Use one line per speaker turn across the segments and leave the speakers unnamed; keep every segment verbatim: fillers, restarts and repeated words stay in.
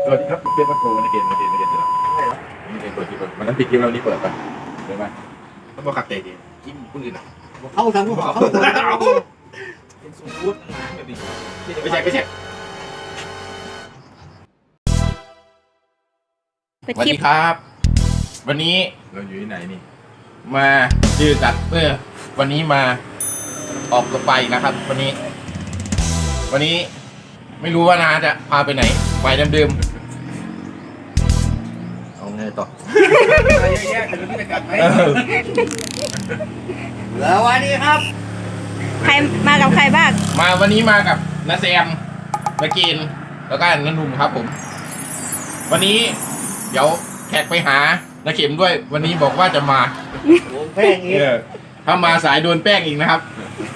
สวัสดีครับเพื่อนพักโกนะเกณฑ์นะเกณฑ์นะเกณฑ์จะไม่ได้เปิดคลิปมันนั้นปิดคลิปเรานี่เปิดป่ะเปิดไหมต้องบอกขัดเตะดิจิ้มคนอื่นอ่ะ
เข้าทางพวกเขา
เป็นสูตรพูดน้ำแบบนี้ไม่ใช่ไม่ใช่สวัสดีครับวันนี้เราอยู่ที่ไหนนี่มาดื้อจัดเพื่อวันนี้มาออกรถไฟนะครับวันนี้วันนี้ไม่รู้ว่านาจะพาไปไหนไปเดิมๆเอาไงต่ออะไรแย่ๆแต่รู้จะกัดไหม
แล้ววันนี้ครับ
ใครมากับใครบ้าง
มาวันนี้มากับน้าแซมมากินแล้วก็น้าหนุ่มครับผมวันนี้เดี๋ยวแขกไปหาน้าเข็มด้วยวันนี้บอกว่าจะมา
แป้งอีก
ถ้ามาสายโดนแป้งอีกนะครับ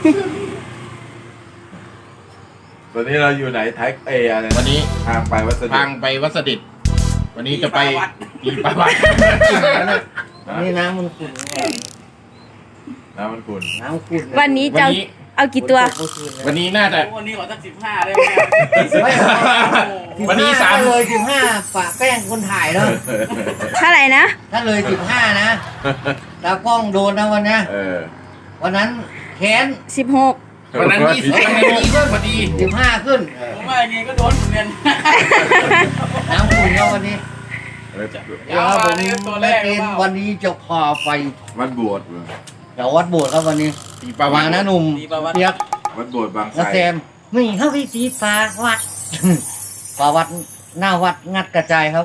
ตอนนี้เราอยู่ไหนไทยเออะไร
วันนี้
ทางไปวัดเสด็จ
ทางไปวัดเสด็จวันนี้จะไปอีปาวัด
นี่น้ำมันขุ่น
น้ำมันขุ่น
น้ำขุ่น
วันนี้จะเอากี่ตัว
วันนี้น่าจะ
วันนี้ขอสักสิบห้าได้
ไหมวันนี้สาม
เลยสิบห้าฝากแป้งคนถ่ายเนาะ
เท่าไหร่นะ
ถ้าเลยสิบห้านะตากล้องโดนนะวันนี้วันนั้นแค้น
สิบหก
วันนั้นยี่สิบวันนี้ยี่สิบพอดี
สิบห้าขึ้น
ผมว่าอย่างนี้ก็โดนเหมือนกัน
น้ำขุ่นเนาะวันนี้
เดี๋ยวผม
ไม่เกณฑ์วันนี้จะพาไป
วัดบวช
เดี๋ยววัดโบสถ์ครับวันนี้
ปีปาวัด
นะหนุ่มเปียก
วัดโบสถ์บางไทร
แซมไม่เข้าพิธีปาวัดปาวัดหน้าวัดงัดกระจายครับ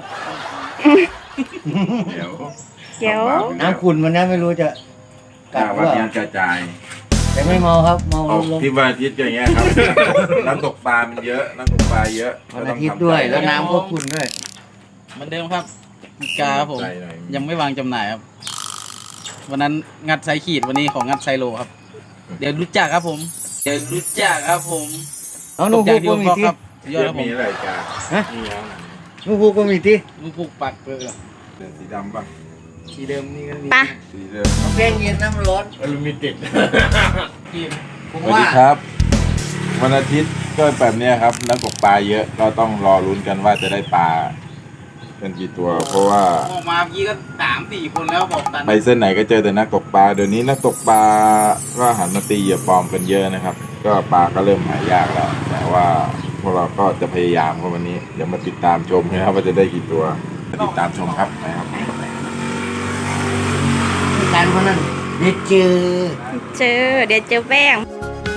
เดี๋ยว
เดี๋ยว
น้ำขุ่นมันนะไม่รู้จะ
กัดว่างัดกระจาย
แต่ไม่เมาครับเมา
ลงที่วันอาทิตย์อย่างเงี้ยครับน้ำตกปลามันเยอะน้ำตกปลาเยอะ
วันอาทิตย์ด้วยแล้วน้ำก็ขุ่นด้วย
เหมือนเดิมครับอีกาครับผมยังไม่วางจำหน่ายครับวันนั้นงัดไซขีดวันนี้ของงัดไซโลครับเดี๋ยวรู้จักครับผมเดี๋ยวรู้จักครับผม
น้องนุ่งพูกก็มีที่
ยอดครับผม
มีอะไรจ้า
ฮะนุ่งพูกก็มีที่
นุ่งพูกปักเปลือก
สีดำป่ะ
สีเดิมนี่ก็มี
สีเดิม
แป้งเย็นน้ำร้อน
อลูมิเต็ด
สวัสดีครับวันอาทิตย์ก็แบบนี้ครับนักตกปลาเยอะก็ต้องรอลุ้นกันว่าจะได้ปลาเป็นกี่ตัวเพราะว่า
ออกมาเมื่อกี้ก็สามสี่คนแล้วบอกตัน
ไปเส้นไหนก็เจอแต่นักตกปลาเดี๋ยวนี้นักตกปลาก็หันมาตีเหยื่อปลอมกันเยอะนะครับก็ปลาก็เริ่มหายากแล้วแต่ว่าพวกเราก็จะพยายามครับวันนี้เดี๋ยวมาติดตามชมนะครับว่าจะได้กี่ตัวติดตามชมครับนะครับ
การพนันเดี๋ยวเจอ
เจอเดี๋ยวเจอแป้ง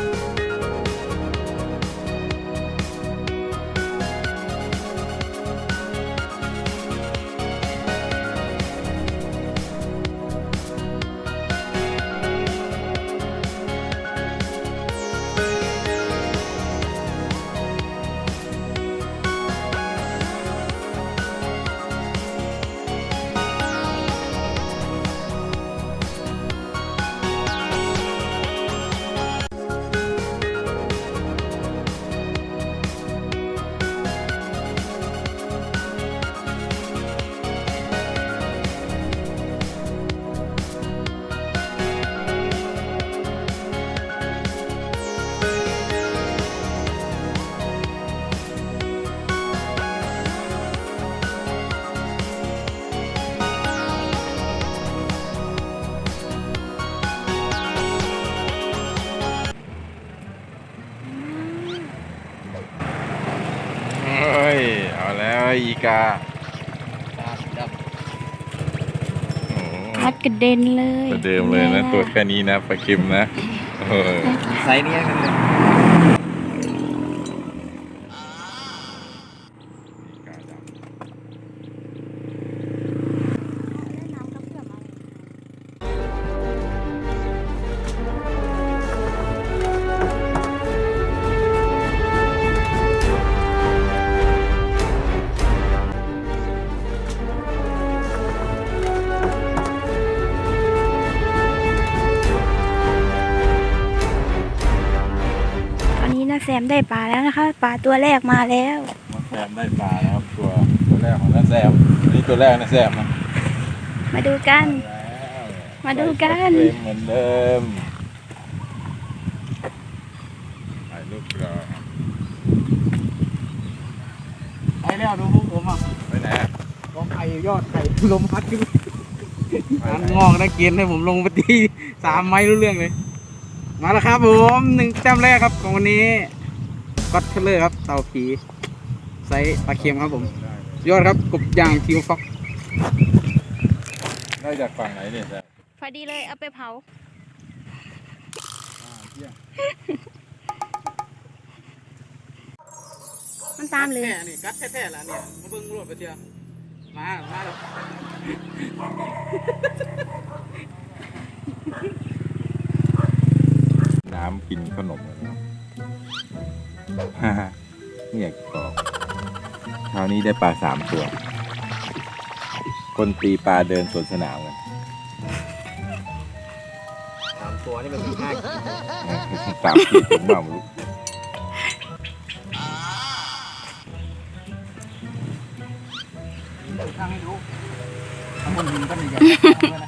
เอาแล้วอีกา
พัดกระเด็นเลย
ตัวเดิมเลยนะตัวแค่นี้นะปลาเค็มนะ
ไซส์นี้กันเลย
แซมได้ปลาแล้วนะคะปลาตัวแรกมาแล้ว
แซมได้ปลาแล้วครับตัวตัวแรกของน้าแซมนี่ตัวแรกน้าแซมนะ
มาดูกันมาดูกัน
เหมือนเดิมถ่ายรูปรอ
ไอ้
แล้วดูพวกผมอ่ะ
ไปไหนอะ
กองไข่ยอดไข่ลมพัดขึ้นน้ำงอกนะเกณฑ์ให้ผมลงไปตีสามไม้รู้เรื่องเลย มาแล้วครับผมหนึ่งแต้มแรกครับของวันนี้ก็อตเทเลอร์ครับเต่าผีไซส์ปลาเค็มครับผมยอดครับกบย่างทิวฟ็อก
ได้จากฝั่งไหนเนี่ยแซม
พอดีเลยเอาไปเผา มันตามเลย
แท้นี่กัดแท้ๆแล้วเนี่ยมาเบิ่งรวดไปเชียวมา มาแล้ว
น้ำกินขนม ฮ่าฮ่าไม่อยากบอกคราวนี้ได้ปลาสามตัว คนตีปลาเดินสวนสนามกัน
สามตัวนี่มันมีห้าขีด
สามขีดผมว่าไม่รู้
ทางให้ดูข้างบนหินก็หนึ่งอย่างด้วยนะ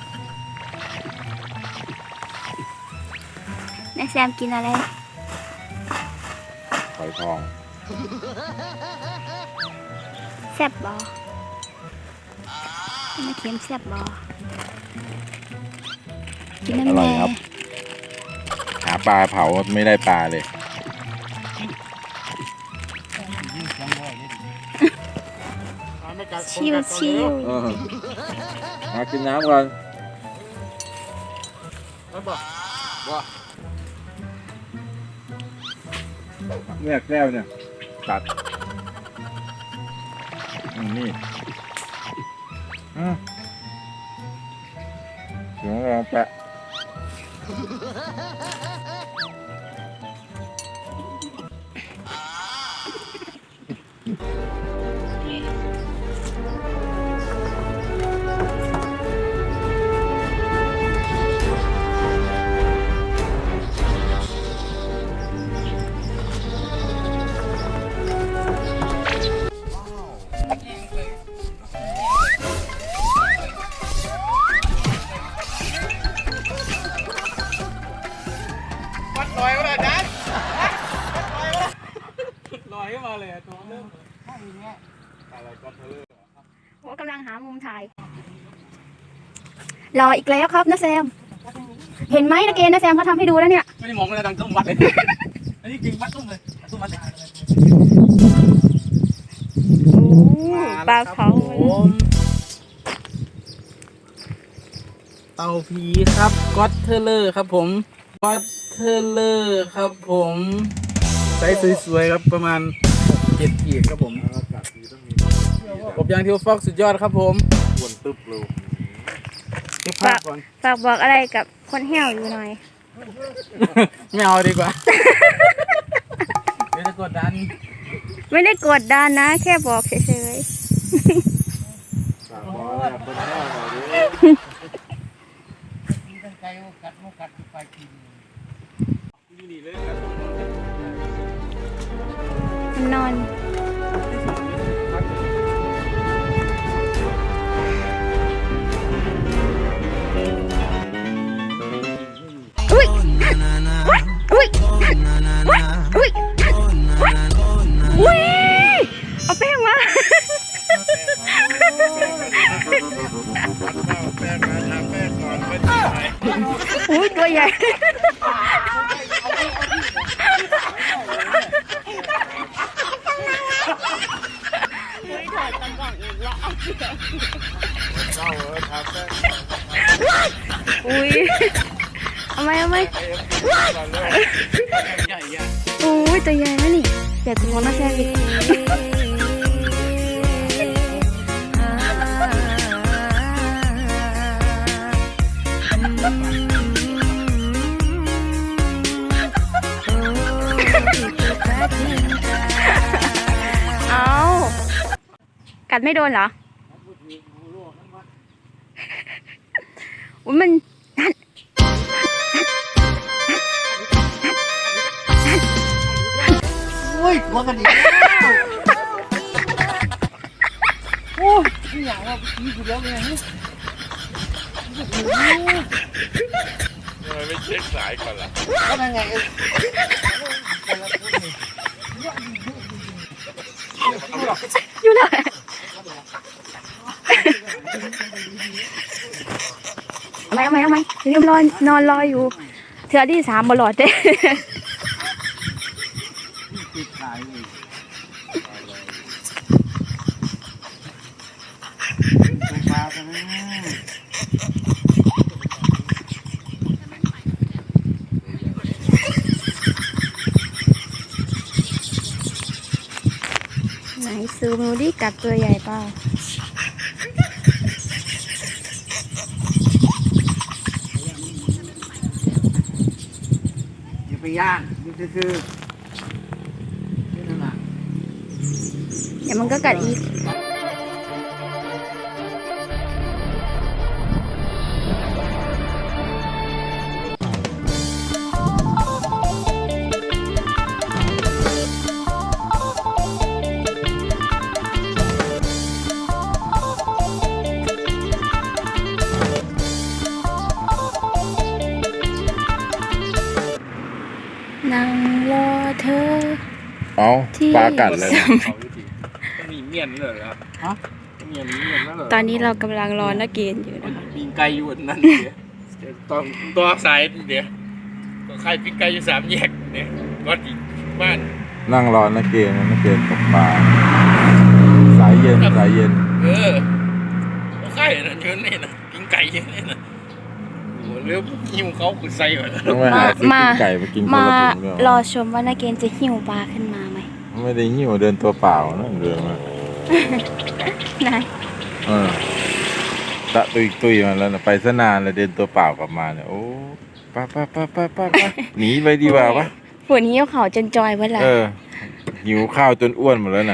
นายแซมกินอะไร
หอยทอง
แซ่บบ่ไม่เค็มแซ่บบ่กิน
อ
น้ำ
ร่อย
แน่
ครับ หาปลาเผาไม่ได้ปลาเลย
ชิวชิว
เออมากินน้ำก่อน
แล้วบอกว่า
เนี่ยแก้วเนี่ย ตัดอืมนี่อืมเดี๋ยวเราแปะ
วัดลอยมาเลยจันลอยขึ้นมาเลยตัวเริ่ม
โอ้กำลังหามุมถ่าย รออีกแล้วครับนะแซม เห็นไหมนะเกณฑ์นะแซมเขาทำให้ดูแล้วเนี่ย
ไม่ได้มองเลยดังตุ้มวัดเลย อันนี้จริงวัดตุ้มเลยตุ้มวัดเลย
โอ้ปลาเผา
ผมเต่าผีครับก็อตเทเลอร์ครับผมก็อตเทเลอร์ครับผมไซส์สวยๆครับประมาณเจ็ดขีดครับผมกบยางทิวฟ็อกสุดยอดครับผม
อ้วนตึ๊บเลย
เก็บภาพก่อน
ฝากบอกอะไรกับคนแห้วอยู่หน่อย
ไม่เอาดีกว่า เดี๋ยวจะกดดัน
ไม่ได้กดดันนะ แค่บอกเฉย
ฝากบอกอะไรกับคนแก้วหน่อยดิ
ใจว่ากัดมุกกัดไปกิน
ๆมันนอน อุ้ยอุ้ยอุ้ยอุ้ยเอาแป้งมา อุ้ยตัวใหญ่ อุ้ยเอาไหมเอาไหม
ใหญ่อะ
โอ้ยตัวใหญ่นะนี่ใหญ่ตัวน่าแซ่บอีกเอากัดไม่โดนเหรออุ้ยมัน
โอ้ยตัวกันอีกแล้วโอ้ยนี่อย่างว่าพี่กูแล้วเนี่ย
ทำไมไม่เช็คสายก่อนล่ะ
ก็นั่นไงเออ
อยู่แล้วเอาไหมเอาไหมเอาไหมลืมรอนนอนรออยู่เทือที่สามบลอดเด้ ไหนซูมดูดิกัดตัวใหญ่เปล่า
อย่าไปย่างนี่คือนี่นั่นแหละ
เดี๋ยวมันก็กัดอีก นั่งรอเธอ
เอา
ที่
ปลากัดเลย
มีเมียนเลยครับฮะเมียนเมียนแล้วเหรอ
ตอนนี้เรากำลังรอนักเกณฑ์อยู่นะคะ
ปีนไก่อยู่นั่นเดี๋ยวตอนตัวสายเดี๋ยวตัวใครปีนไก่อยู่สามแยกเนี่ยก็อีกบ้าน
นั่งรอนักเกณฑ์นักเกณฑ์ตกปลาสายเย็นสายเย็น
เออตัวใครน่ะยืนนี่นะปีนไก่ยืนนี่นะโอ้เร็วหิวเขาคือใส่ก่อน
ต้องไปหาซื้อปิ้งไก่มากินคน
มา
ละถุงเดียว
รอชมว่านักเกณฑ์จะหิวปลาขึ้นมาไหม
ไม่ได้หิ้วเดินตัวเปล่านะเดินมา
นาย
เออตะตุยตุยมาแล้วนะไปซะนานเลยเดินตัวเปล่ากลับมาเนี่ยโอ้ไป้าป้าป้าป้าป้าป้าหนีไปดีกว่าปะ
ฝนหิวเขาจนจอยเวลา
เออหิวข้าวจนอ้วนหมดแล้วนะ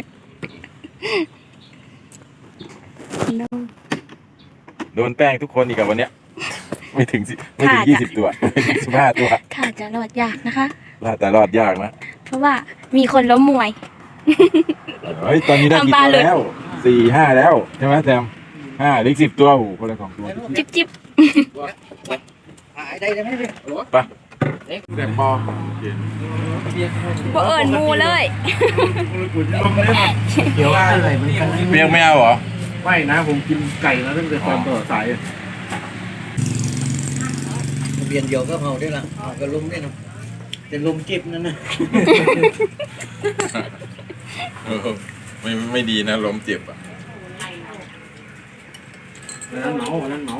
โดนแป้งทุกคนอีกกับวันเนี้ยไม่ถึงสิไม่ถึงยี่สิบตัวไม่ถึงสิบห้าตัว
ค่ะจะรอดยากนะคะ
รอดแต่รอดยากนะ
เพราะว่ามีคนล้มมวย
เฮ้ยตอนนี้ได้กี่
ทำปลา
ตัว
เลย
แล้วสี่ห้าแล้วใช่ไหมแซมห้าหรือสิบตัวโอ้โหคนละสองตัว
จิ๊บจิ๊บ
หายได้ไหมพี่
ไปแต่ปอ
บ่เอิญมูเลย
เดี๋ยวอะไรมันกัน
เปียกไม่เอาเหรอ
ไม่นะผมกินไก่มาตั้งแต่ตอนต่อสาย
เบียนเดียวก็เผาได้ละเอากระลุมได้นะแต่ลมจิบนั่นนะ
เออไม่ไม่ดีนะลมเจ็บอ่ะ
นั่นเหมานั่นเหมา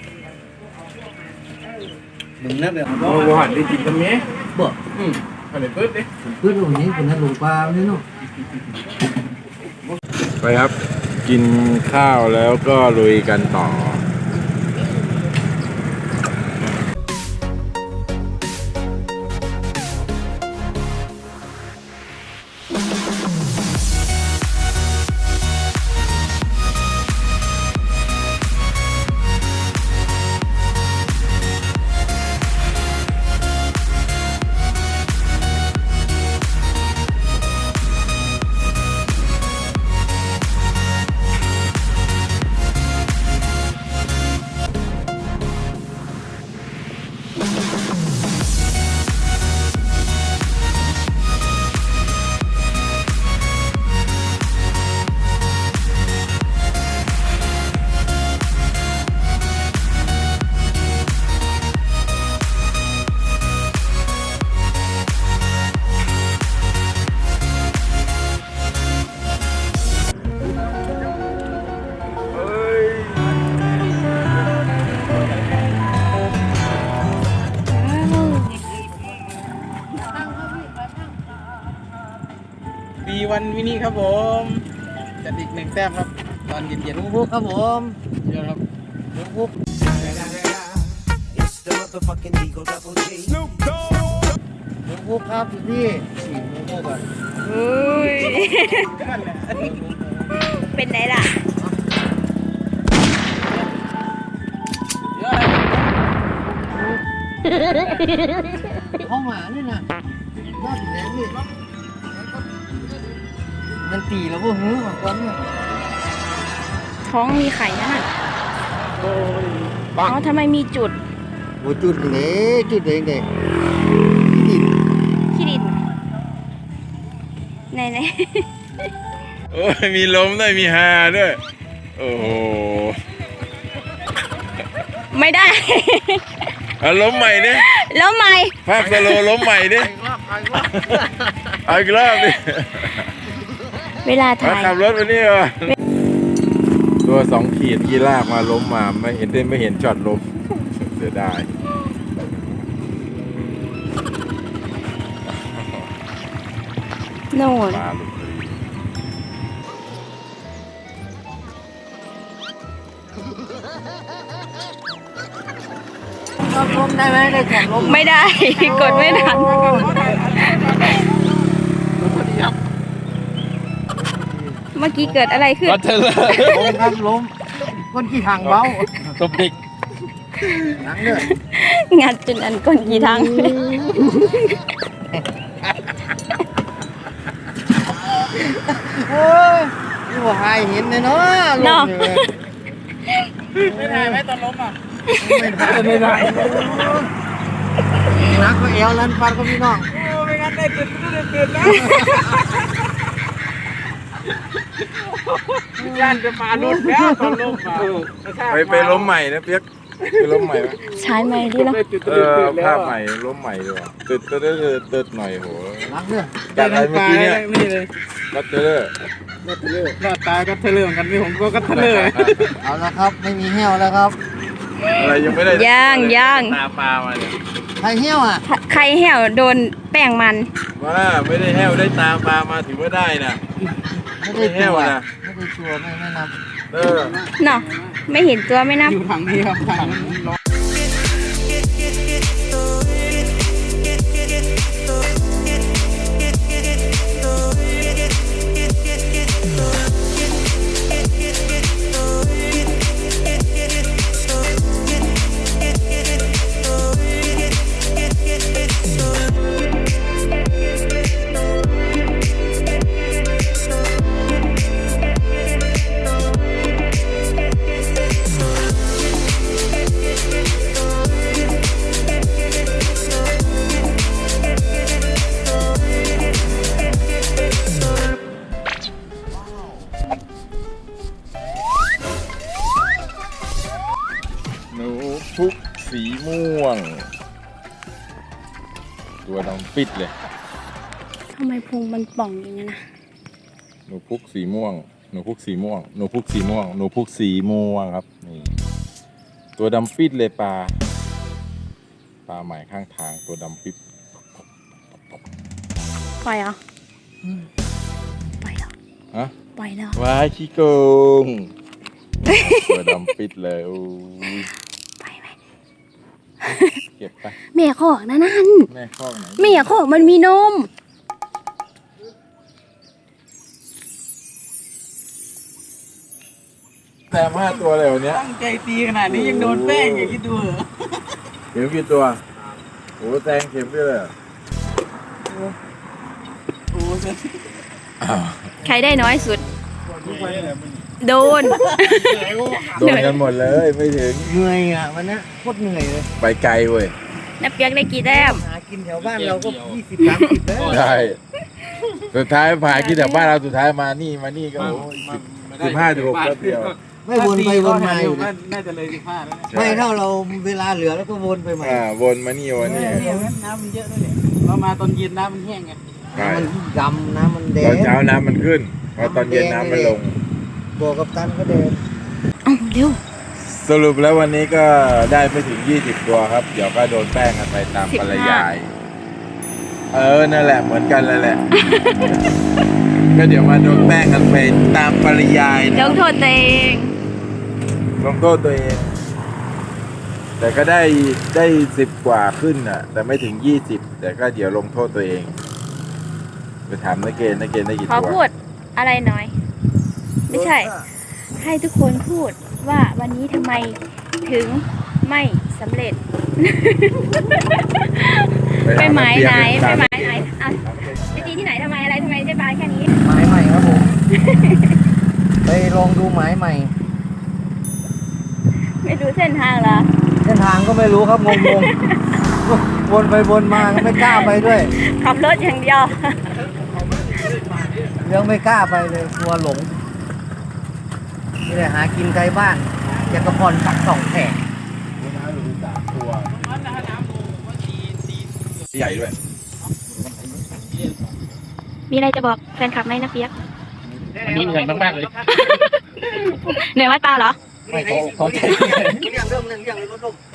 มึงนะแบบ
โอ้โหหันได้กินกันไหม
บ่
อืมหันได้เปิดดิ
เพื่อนตรงนี้เป็นนักลงปลาเนี่ยเนาะ
ไปครับ กินข้าวแล้วก็ลุยกันต่อ
ปีวันวินี่ครับผมจัดอีกหนึ่งแต้มครับ ตอนเย็น
ลุงพุกครับผม
ๆเยอะครับ
ลุงพุก
It's the motherfucking Eagle Double G.
ลุงพุกครับพี่สี่ลุงพุกอ่ะ
อุ้ย เป็นไงล่ะ
ห้องหมานี่นะรอดแรงนี่มันตีแล้วพวกหื้อมาก่อนเนี่ย
ท้องมีไข่นั่นน่ะอ๋อทำไมมีจุด
โอ้จุดเลยจุดเลยเด็กดิน
ขี้ดินไหนไหน
โอ้ยมีล้มด้วยมีฮาด้วยโอ้โห
ไม่ได้
เอาล้มใหม่ดิ
แล้วไหม
ภาพสโลว์ล้มใหม่ดิเอาอีกรอบดิ
เวลา
มา
ถ่าย
ขับรถไปนี่เหรอตัวสองขีดกีลากมาล้มมาไม่เห็นได้ไม่เห็นช็อตล้มเสียดาย
โน่น
ปลาหลุดพอดี
ลมลมได้ไหมได้แข่งลม
ไม่ได้ กดไม่ทัน เมื่อกี้เกิดอะไรขึ้น
ก็เธอเลย
ลมครับลมก้นขี้ถังเบา
ตบเด็ก
หนังเนี่ย
งัดจนอันก้นกี่ทั้ง
โอ้ยนี่ว่าหายเห็นเลยเนาะลมอยู่เลย
ไม่ได้ไหมตอนล้มอ่ะ
ไม่ได้ไม่ได้นักก็เอวลันฟันก็พี่น้อง
โอ้ไม่งั้นได้ตื่นตื่นตื่นนะย่านจะมาลุ้นแล้วตอนล้มอ่ะ
ไปไปล้มใหม่นะเปียกไปล้มใหม่ไหม
ใช้ไหมดีแล้ว
เออภาพใหม่ล้มใหม่ดีกว่าตึ๊ดตึ๊ดตึ๊ดตึ๊ดหน่อยโห
นักเนี่ย
จากอะไรเมื่อกี้เนี่ย
นี่เลย
ก็เตอร์
รอดตายก็เทเลอร์เหมือนกันพี่ผมก็ก็เทเลอร์
เอาละครับไม่มีเหี้ยวแล้วครับ
อะไรยังไม่ได้
ย่างย่าง
ตาปลามาเนี่ย
ใครเหี้ยวอ่ะ
ใครแห่วโดนแป้งมัน
ว่าไม่ได้แห้วได้ตาปลามาถือว่าได้นะ
ไม่ได้
ไม่เหี้
ตั
ยว
ว
นะ
ไม่ได้ตัวไม่ไม่นับ
เออ
เนาะไม่เห็นตัวไม่นับ
อยู่ถังนี้ครับถังร้อน
หนูพุกสีม่วง ตัวดำปิดเลย
ทำไมพุงมันป่องอย่างนั้นนะ
หนูพุกสีม่วง หนูพุกสีม่วง หนูพุกสีม่วง หนูพุกสีม่วงครับนี่ตัวดำปิดเลยปลา ปลาใหม่ข้างทางตัวดำปิด
ปล่อยเหรอปล่อยเหรอ
ฮะ
ปล่อยแล้ว
ว้ายขี้โกง ตัวดำปิดเลยโอ้ย
ไปไหม
เก็บไป
แม่ขอกนะนั่น
แม่ข้องไหน
แม่ขอกมันมีนม
แต่ห้าตัวเลยวันเนี้ย
ตั้งใจตีขนาดนี้ยังโดนแป้งอย่างที่ดูเหรอ
เข็มกี่ตัวโอ้แซงเข็มด้วยเลยเหรอ
โอ้ย
อ้าว
ใครได้น้อยสุด โดน
โดนกันหมดเลยไม่ถึง
เหนื่อยอ่ะวันนี้โคตรเหนื่อยเลย
ไปไกลเว้ย
นับเปียกได้กี่แต้ม
หากินแถวบ้านเราก็ยี่สิบสามสิบแล้ว
ใช่สุดท้ายผ่านที่แถวบ้านเราสุดท้ายมานี่มานี่ก็โอ้ยสิบห้าสิบหกแป๊บเดียว
ไม่วนไปวนมาอยู่
ก็
นะ
น่าจะเลยสิบห้าแล้วเนี่ย
ไม่เท่าเราเวลาเหลือแล้วก็วนไปใหม่
อ่าวนมานี่วนนี่
เนี่ยน้ำมันเยอะด้วยเนี่ยเรามาตอนเย็นน้ำมันแห้งไง
ใช่
น้ำมันดำน้ำมันแด
ตอง นเช้าน้ำมันขึ้นพอตอนเย็นน้ำมันลง
ตัวกับตันก็เดิน
เอ้าเร็ว
สรุปแล้ววันนี้ก็ได้ไม่ถึงยี่สิบตัวครับ เดี๋ยวก็โดนแป้งกันไปตาม
สิบ
ป
ห้า
ริยาย เออ นั่นแหละเหมือนกันเลยแหละ ก็เดี๋ยวมาโดนแป้งกันไปตามปริยาย
ล
นะ
งโทษตัวเอง
ลงโทษตัวเอง แต่ก็ได้ได้สิบกว่าขึ้นอ่ะ แต่ไม่ถึงยี่สิบแต่ก็เดี๋ยวลงโทษตัวเอง ไปถามนักเกณฑ์นักเกณฑ์ได้กี่
ขอ
ตัว
พูดอะไรหน่อย ไม่ใช่ ให้ทุกคนพูดว่าวันนี้ทำไมถึงไม่สำเร็จ ไปหมายไหนไปหมายไหนอ่ะไปตีที่ไหนทำไมอะไรทำไมได้ปลาแค่นี้
หมายใหม่ครับผม ไปลองดูหมายใหม่
ไม่รู้เส้นทางเหรอ
เส้นทางก็ไม่รู้ครับงงๆ วนไปวนมาก็ไม่กล้าไปด้วย
ขับรถอย่างเดียว
ในยังไม่กล้าไปเลยกลัวหลงนี่แหละหากินไกลบ้านอยากกระพรปักสองแผง
ใหญ่ด้วย
มีอะไรจะบอกแฟนคลับไหมนะเปียก
วันนี้เหนื่อยมากๆเลย
เหนื่อยวัดเปล่าเหรอ
ไม่เขาเขาใจเรื่องเรื่องเรื่องเรื่องรถลม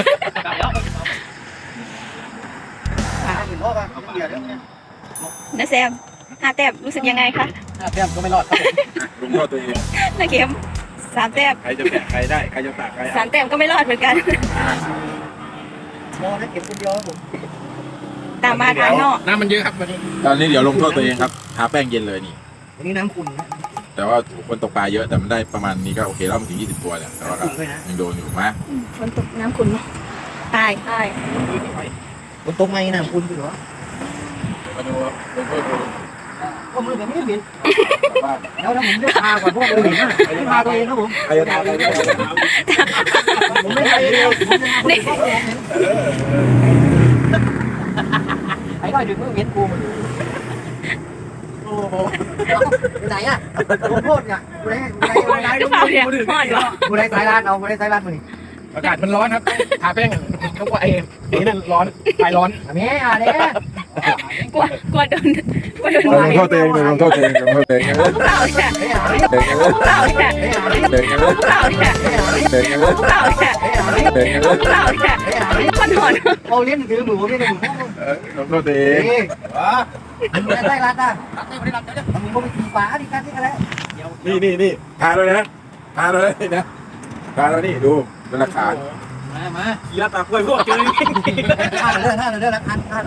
เห็นพ่อป่ะเดี๋ยวเดี๋ยว
นะแซมห้าแต้มรู้สึกยังไงคะ
แต้มก็ไม่รอดครับผม
ลุงโทษตัวเอง
นะเข็มสามแต้ม
ใครจะแบกใครได้ ใครจะตักใคร
สามแต้มก็ไม่รอดเหมือนกัน
มองให้เก็บคนเดียวครับผม
ตามมาทางนอก
น้ำมันเยอะครับวันนี้
ตอนนี้เดี๋ยวลงโทษตัวเองครับ ทาแป้งเย็นเลยนี่
วันนี้น้ำขุ่นนะ
แต่ว่าคนตกปลาเยอะแต่มันได้ประมาณนี้ก็โอเคแล้วมันถึงยี่สิบตัวเนี่ย แต่ว่าก็ยังโดนอยู่มะ
อืมฝนตกน้ำขุ่นไหมตายตาย
บนตกไงน้ำขุ่นอยู่เหรอ
มาดูลงโทษตัวเอง
ก็มือแบบนี้เห็นแล้วถ้าผมได้พาก่อนพวกเลยเห็นนะไม่พาตัวเองครับผม
ใครจะทาใครจะทา
ผมไม่ไปเดียวนี่ไอ้ก็อยู่เมื่อเห็นกูมันโอ้โหไปไหนอ่ะผมโทษเนี่ยกูได้กูได้กูได้
เปล่าเนี่ยหอดเหรอ
กูได้สายลาดเอากูได้สายลาดมาดิ
อากาศมันร้อนครับทาแป้งเขาว่าไอ้ไอ้นั่นร้อนไฟร้อน
แม่อ่ะเนี่ย
กลัวกลัวโดนกลัวโดน
ลงโทษตัวเองลงโทษตัวเองลงโทษตัวเอง
เปล่าเนี่ย
ไม่อ่ะ
เด็กยังเลย
เปล่าเนี่ย
เด็กยังเลย
เปล่าเนี่ย
เด็กยังเลย
เปล่าเนี่ย
เด็กยังเลย
เปล่าเนี่ยคนหอน
เอาเลี้ยงถือหมูไม่ได้หมู
ลงโทษตัวเอง
เฮ้ยมึงได้สายลาดอ่ะมึงก็ไปขี่ฟ้าดิกันที่กันแล้ว
นี่นี่นี่ทาเลยนะทาเลยนะทาแล้วนี่ดูเป็นหลักฐาน
มามา
ยีราฟตากล้วยพวกเจอ
ท่าเรือท่าเรือละคันท่า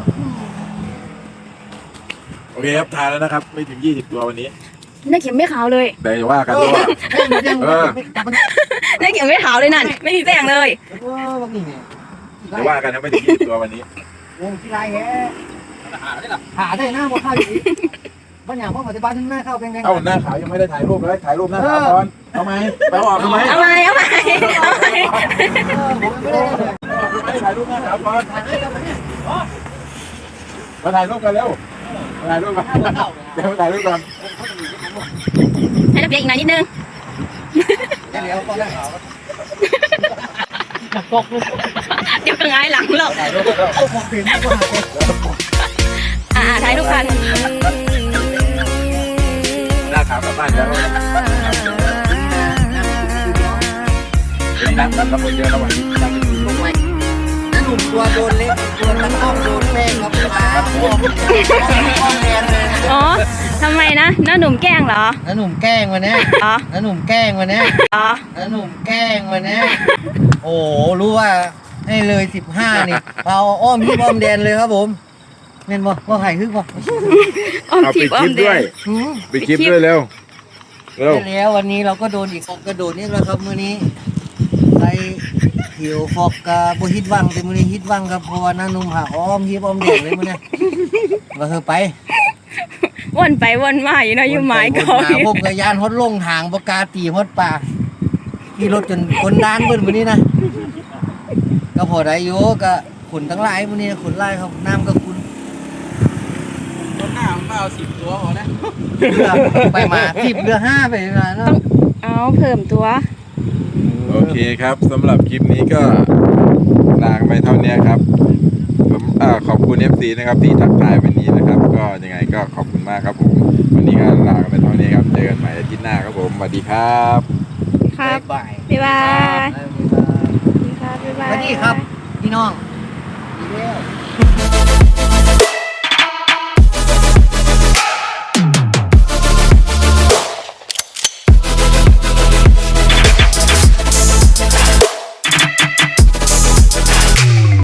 โอเคครับทาแล้วนะครับ ไม่ถึงยี่สิบตัววันนี้
น่าเข็มไม่ขาวเลย
แต่อย่าว่ากันด้วย
ให้มันยังไม่กลับมัน
น่าเข็มไม่ขาวเลยนั่นไม่มีแป้งเลย
เออแบบนี้เนี่ย
อย่าว่ากันนะไม่ถึงยี่สิบตัววันนี้
วงที่ไรแฮหาได้หน้าบ่เข้าอยู่บ้านอย่างพวกปัจจุบันถึงหน้าเข้าแดงๆ
เอ้าหน้าขาวยังไม่ได้ถ่ายรูปเลยถ่ายรูปหน้าขาวก่อนเอาไหมไปออกทำไม
เอาใหม่เอาใหม่เอาใหม่
ผมไม่ได้เลย
ออกทำไมถ่ายรูปหน้าขาวก่อน
หาได้กับเนี่ย
มาถ่ายรูปกันเร็วมาถ่ายรูปกันเดี๋ยวมาถ่ายรูปกัน
ให้นักเรียนอีกหน่อยนิดนึง
เดี๋ยวก็ได้ข่าว
เดี๋ยวก็ง่ายหลังหรอก
ถ่ายรูปแล้วก็พอเปลี่ยนก็หาเป็น
อ่าถ่ายรูปกัน
หน้าขาวกลับบ้านแล้ววันนี้นัดนัดกับคนเยอะแล้ววันนี้นัดเป็นสี่
ลงไหมนั่นหนุ่มตัวโดนเล็กตัวตะเข้าโดนแป้งกับปลาพวกข้อแรงเลย
อ๋อทำไมนะน้าหนุ่มแกล้งเหรอ
นั่นหนุ่มแกล้งวันนี้
อ๋อ
นั่นหนุ่มแกล้งวันนี้
อ๋อ
นั่นหนุ่มแกล้งวันนี้โอ้โหรู้ว่าให้เลยสิบห้านี่เอาอ้อมที่อ้อมแดนเลยครับผมเม่นบ่ว่าไผ่ฮึกบ่
ออม
เอา
จี
ปิ
บ
ด
ออ
คลิ
ม
ป
แด
ด้วย
ง
หืม
ปิดคลิปด้วยเร็วเร็ว
ใช่แล้ววันนี้เราก็โดนอีกฟอกกระโดดนี่แหละครับมื้อนี้ไปเขียวฟอกกะบ่ฮิตวังแต่มื้อนี้ฮิตวังครับเพราะว่าน้าหนุ่มหาอ้อมที่อ้อมแดงเลยมื้อนี้ก็คือไป
วนไปวนมาอยู่เนาะอยู่หมายก่อน
หาพวกกระยานฮดลงทางประกาตีฮดป่าขี่รถจนคนด้านเบิ้นมื้อนี้นะก็พอได้อยู่ก็ขุนทั้งหลายมื้อนี้ขุนหลายครับน้ำก็ขุน
รถหน้ามันมาเอาสิบตัวพอนะ
เรือไปมาสิบเรือห้าไปมาเนาะ
เอาเพิ่มตัว
โอเคครับสำหรับคลิปนี้ก็ลาไปเท่านี้ครับผมอ่าขอบคุณ เอฟ ซี นะครับที่ทักทายวันนี้นะครับ ก็ยังไงก็ขอบคุณมากครับผมวันนี้ก็ลาไปเท่านี้ครับเจอกันใหม่อาทิตย์หน้าครับผมสวัสดีครับ
ครับ
บ๊ายบาย
บ๊ายบาย
บ๊ายบาย
ครับบ๊ายบาย
สวัสดีครับพี่น้องดีแล้ว